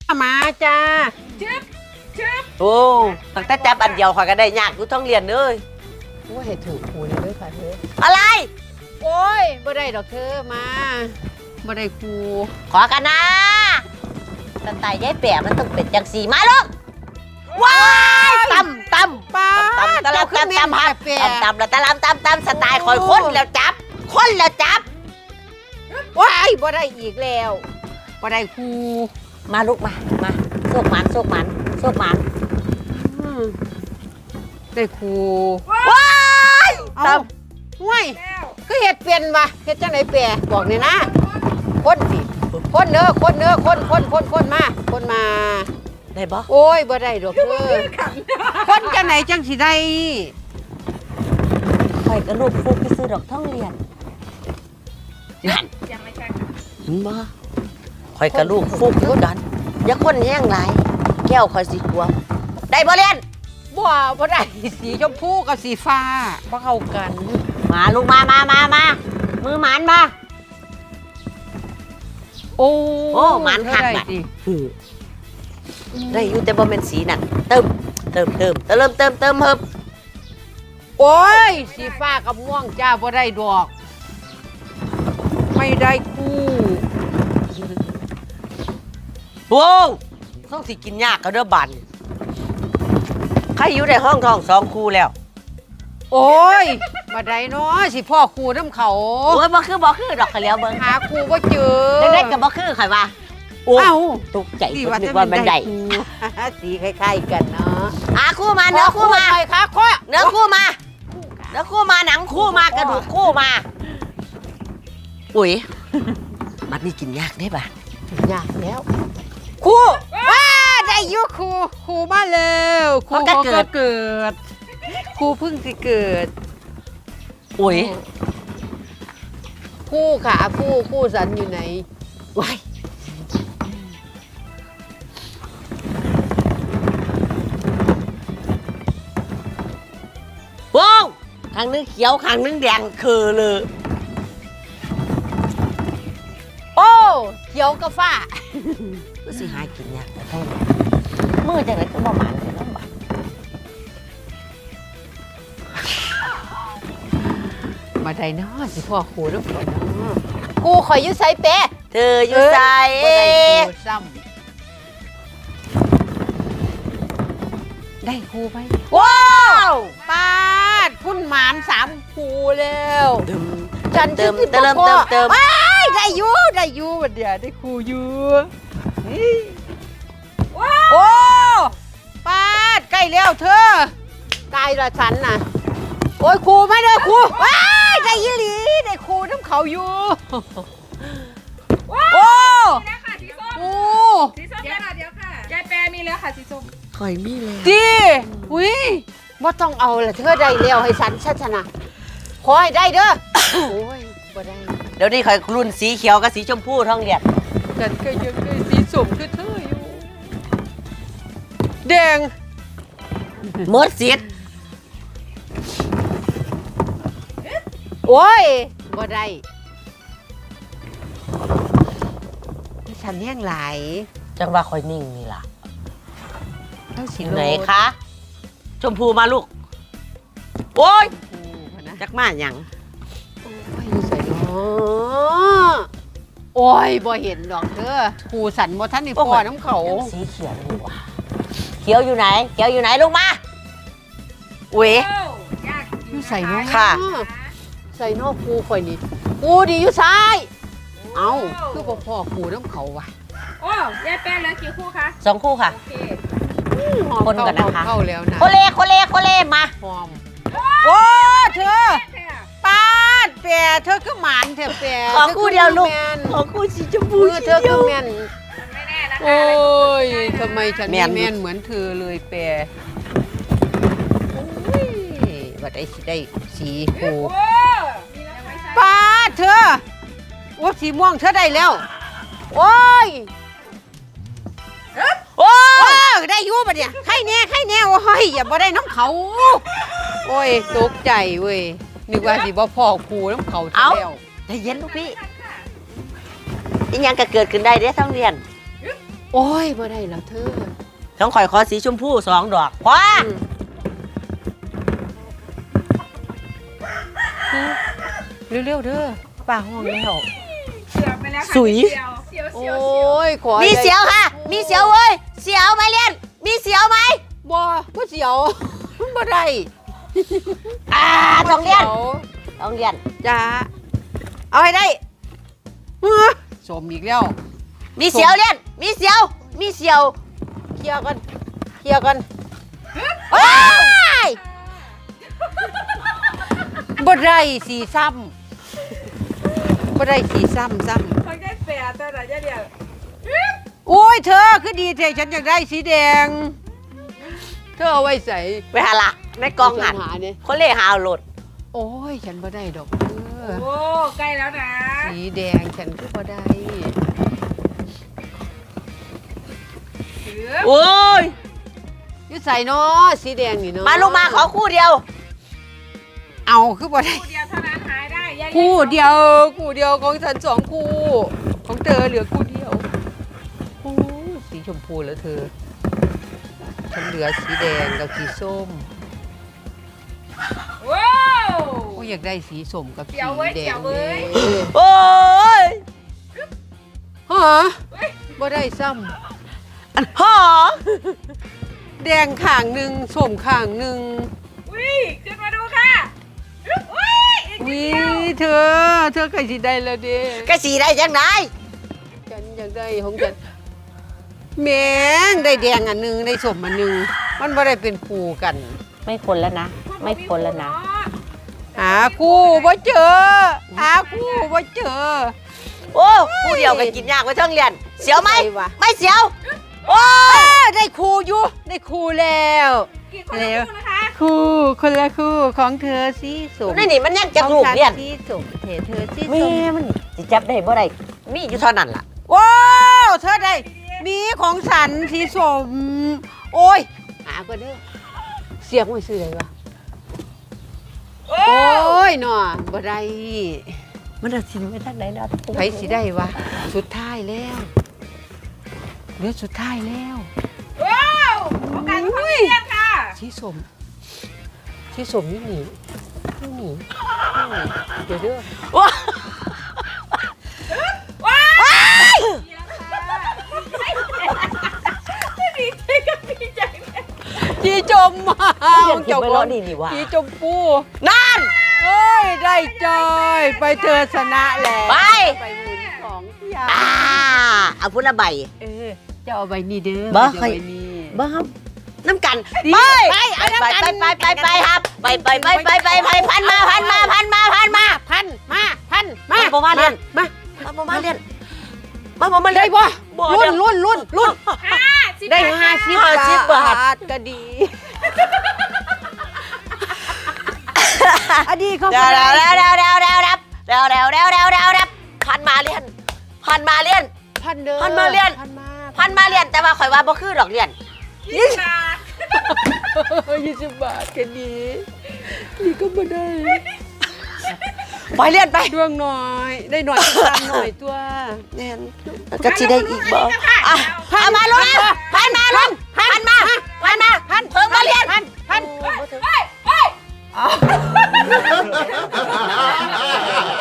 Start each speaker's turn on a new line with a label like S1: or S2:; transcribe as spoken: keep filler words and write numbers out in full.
S1: มาจ้าชึบชึบโอ้ตั้งแต่จับอันเดียวข่อยก็ได้ยากอยู่ท้องเรียนเลยว่าให้ถือครูเลยด้วยค่ะเธออะไรโอ้ยบ่ได้ดอกเธอมาบ่ได้ครูขอกันนะสไตล์ยายแปะมันต้องเป็นจังสีมาลูกว้ายตำตำป้าตำตำตำตำตำฮับตำตำแล้วตำตำตำสไตล์คอยคนแล้วจับคนแล้วจับว้ายบ่ได้อีกแล้วบ่ได้ครูมาลูกมามาโชคมันโชคมันโชคมันได้ครูว้ายตำห้วยก็เห็ดเปลี่ยนวะเห็ดจังไหนแปรบอกเนี่ยนะคนสิคนเด้อคนเด้อคนคนคนคนมาคนมาได้บ่โอ้ยบ่ได้ดอกเด้อคนจังไหนจังสิได้ข่อยกระลูกฟุกไปซื้อดอกท่องเรียนนั่นยังไม่ใช่ค่ะเห็นบ่ข่อยกระลูกฟุกคือกันอย่าคนแห้งหลายแก้วข่อยสีกลัวได้บ่เรียนบ่บ่ได้สีชมพูกับสีฟ้าบ่เข้ากันมาลูกมามามามามือหมันมาโอ้โอ้หมันหักบัดได้อยู่แต่บ่เป็นสีนั่นเติมเติมเติมเติมเติมเติมเพิ่มโอ้ยสีฟ้ากับม่วงจ้าบ่ได้ดอกไม่ได้คู่โว้ต้องสิกินยากก็เด้อบันใครอยู่ในห้องทองสองคู่แล้วโอ้ยมาได้เนาะสิพ่อครูน้ำเขาโอ้ยบ่คือบ่คือดอกเขาแล้วเบิ่งหาครูบ่เจอเด็กๆกับบ่คือใครว่าโอ้ตกใจนึกว่ามันได้สีคล้ายๆกันเนาะหาคู่มาเนื้อคู่มาใครคะข้อเนื้อคู่มาเนื้อคู่มาหนังคู่มากระดูกคู่มาอุ้ยมันนี่กินยากได้ป่ะยากแล้วครูว้าได้ยุครูครูมาแล้วครูก็เกิดเกิดครูเพิ่งสิเกิดโอ้ยครูขาครูครูสันอยู่ไหนว้ายว้าวข้างนึงเขียวข้างนึงแดงคือเลยโอ้เขียวกับฟ้าก็สิหากินยากแต่เท่านั้นมือจังไรก็บ่หมันเลยน้องบ้ามาได้เนาะสิพ่อครูทุกคนเนาะกูข่อยอยู่ไสเปะเธออยู่ไสบ่ได้ครูซ้ำได้ครูไปว้าวปาดพุ่นหมานสามครูแล้วฉันเติมเติมเติมเติมได้อยู่ได้อยู่วันเดียวได้ครูอยู่โอ้ปาดใกล้แล้วเธอใกล้ละฉันน่ะโอ้ยครูไม่ได้ครูว้ายได้ยี่หลีได้ครูน้ำเขาอยู่โอ้
S2: นี่ค่ะสีส้ม
S1: ครู
S2: สีส้มเดี๋ยวค่ะเดี๋ยวค่ะยายแปรมีแล้วค่ะสีส้ม
S1: ข่อยมีแล้วดีอุ้ยว่าต้องเอาละเธอได้แล้วให้ฉันชัดชนะขอให้ได้เด้อโอ้ยบ่ได้เดี๋ยวนี้ข่อยรุ่นสีเขียวกับสีชมพูท้องเรียนฉันก็ยังได้สีส้มคือเธออยู่แดงหมดสิทธิ์โอ้ยบ่ได้ฉันแห้งไหลจังว่าคอยนิ่งนี่ล่ะไหนคะชมพูมาลูกโอ้ยจักมาอย่างโอ้ยอยู่ใส่เนาะโอ้ยบ่เห็นดอกเธอครูสันบ่ท่านนี่พ่อน้ำเขาสีเขียวนี่ว่ะเขียวอยู่ไหนเขียวอยู่ไหนลูกมาอุ้ยอยู่ใส่เนาะค่ะใส่นอกครูข่อยนี่ครูดีอยู่ซ้ายเอ้าคือพ่อพ่อครูน้ำเขาว่ะ
S2: โอ้ยายแปรเหลือกี่คู่คะ
S1: สองคู่ค่ะคนก่อนนะคะ
S2: เข้าแล้วนะ
S1: โคเลโคเลโคเลมาหอมโอ้เธอป้าดเปียเธอคือหมานเธอเปียขอคู่เดียวลูกขอคู่สีชมพูเธอคือแมน
S2: ไม่แน่นะคะ
S1: โอ้ยทำไมฉันไม่แมนเหมือนเธอเลยเปียว่าได้สีได้สีโูป้าเธอว่าสีม่วงเธอได้แล้วโอ้ยโอ้ได้ยู่ปะเนี่ยใครแน่ใครแน่โอ้ยอย่าบ่ได้น้องเขาโอ้ยตกใจเว้ยนึกว่าสิบ่พ่อครูน้องเขาแล้วใจเย็นลูกพี่อีกอย่างก็เกิดขึ้นได้เด้ทั้งเรียน
S3: โอ้ยบ่ได้แล้วเธอ
S1: ต้องข่อยขอสีชมพูสองดอกคว้า เร็วๆเด้อป้าห้องแล้ว
S2: เสียวไปแล้วค่ะ
S1: สุย
S2: เสียวเสียว
S3: โอ
S2: เสียวเสียว้
S3: ยขอ
S1: มีเสียวค่ะ มีเสียวเว้ย เสียวไหมเรียน มีเสียวไหม
S3: บ่บ่เสียวบ่ได้
S1: อ่าต้องเรียน
S3: บ่สีว
S1: ต้องเรียน
S3: จ้า
S1: เอาให้ได้
S3: เฮ้อสมอีกแล้ว
S1: มีเสียวเรียน มีเสียว มีเสียว
S3: เคลียร์กันเคลียร์กัน
S1: โอ้ย
S3: บ่ได้สีซ้ำบ่ได้สีซ้ำซ้
S2: เขาได้แปดแต่ละเดียว
S3: ำโอ้ยเธอคือดีเทฉันอยากได้สีแดง เธอเอาไว้ใส่
S1: ไปหาละในกองหัน
S3: หาเนี่ย
S1: คนเล่หาเอาโหลด
S3: โอ้ยฉันบ่ได้ดอกเธอ
S2: โอ้ใกล้แล้วนะ
S3: สีแดงฉันคือบ่ได้
S2: เสือ
S1: โอ้ย
S3: อยู่ใส่เนาะสีแดงนี่เนาะ
S1: มาลงมาขอคู่เดียว
S3: เอาคือบ่ได้
S2: คู่เดียวเท่านั้นหายได้ยาย
S3: คู่เดียวคู่เดียวของฉันสองคู่ของเธอเหลือคู่เดียวโอ้ยสีชมพูแล้วเธอ ฉันเหลือสีแดงกับสีส้ม
S2: ว้าว
S3: โอ้ยอยากได้สีส้มกับสี
S2: เสียวเว้ย
S3: แด
S2: เสีย
S3: ง
S2: วเว้ย
S1: โอ้ย
S3: ฮะบ่ได้ซ้
S1: อันหอ
S3: ำแดงข้างหนึ่งส้มข้างหนึ่ง
S2: อุ้ยขึ้นมาดูค่ะอุ้ยอีกนิ
S3: วิ
S2: ดเดียว
S3: เธอ เธอใกล้สิได้แล้วเด้
S1: กระสีได้จังได
S3: ฉันอยากได้ของฉันแม่งได้แดงอันหนึ่งได้ส้มอันหนึ่งมันบ่ได้เป็นคู่กัน
S1: ไม่คนแล้วนะ ไม่คนแล้วนะ
S3: หาคู่บ่เจอ หาคู่บ่เจอ
S1: โอ้คู่เดียวกันกินยากไว้เทั้งเรียน เสียวไหม
S3: ใช่วะ
S1: ไม่เสียว โอ้
S3: เอย อได้คู่อยู่ได้คู่แล้ว
S2: กี่คนละคู่นะคะ
S3: คู่คนละคู่ของเธอสีส้ม
S1: นี่นี่มันยังจะลูกเรียน
S3: สีส้มเธอเธอสี
S1: มี
S3: ส้ม
S1: มันสิจับได้บ่ได้มีอยู่เท่านั้นล่ะ
S3: ว้าวเธอได้มีของฉันสีส้มโอ้ยหาก็เด้อเสียงไม่ซื้อเลยวะ
S2: โอ้
S3: โอ้ยหน่อบ่ได้
S1: มันจะสินไปทางไหนนะ
S3: ไผสิได้วะสุดท้ายแล้วเหลือสุดท้ายแล้ว
S2: ว้าวโอกาสของเรียนค่ะ
S3: สีส้มสีส้มนี่หนีนี่หนีนี่หนีเดี๋ยวเด้อ
S1: ว้า
S2: ว้าวเยี่ยมค่ะดีใจกับดีใจแม่
S3: จีจมมา
S1: เรียนคิดไปแล้วดีนี่ว่า
S3: จีจมปู
S1: นั่น
S3: เอ้ยได้จอยไปเจอชนะแล้ว
S1: ไป
S3: ไปหมุนของพี่ยา
S1: อ่าเอาพุทธใบ
S3: เออจะเอาใบนี้เด้อ
S1: บ่
S3: จะ
S1: ค่อย
S3: ใบนี้
S1: บ้าครับน้ำกัน
S3: ดี
S1: ไป
S3: ไปเอา
S1: ไป
S3: น้ำ
S1: ไป
S3: กัน
S1: ไปไปไปครับไปไปไปไปไปไปพันมาพันมาพันมาพันมา
S3: พันมาพันมา
S1: มาบ่มาเรียน
S3: มา
S1: มาบ่มาเรียนมาบ่มาเรี
S3: ได้
S1: ยน
S3: บ่
S1: บ่
S3: รุ่
S1: เด้
S3: น
S1: อ
S3: รุ่นรุ่นรุ่น
S2: ห้าสิบ
S3: ได้
S2: บท
S3: ห้าสิบ
S1: ห้าสิบบาท
S3: ก็ดีอดีเขา
S1: เร็
S3: ก็
S1: ว
S3: ได้
S1: เร็วเร็วเร็วเร็วเร็วเร็วเร็วเร็วเร็วเร็วเร็วพันมาเรียนพันมาเรียน
S3: พันเด้อ
S1: พันมาเรียน
S3: พันมา
S1: พันมาเรียนแต่ว่าข่อยว่าบ่คือดอกเรียน
S2: ยี่สิบบาท
S3: ยี่สิบบาทก็ดีนี่ก็มาได้
S1: ไปเรียนไป
S3: ดวงหน่อย ได้หน่อยก็ตามหน่อยตัว
S1: แน่นก็สิได้อีกบ่อ่ะเอามาลงนะพันมาลงพันมาพันมาพันเพิ่มมาเรียน
S3: พันพัน
S2: เฮ้ยเฮ้ย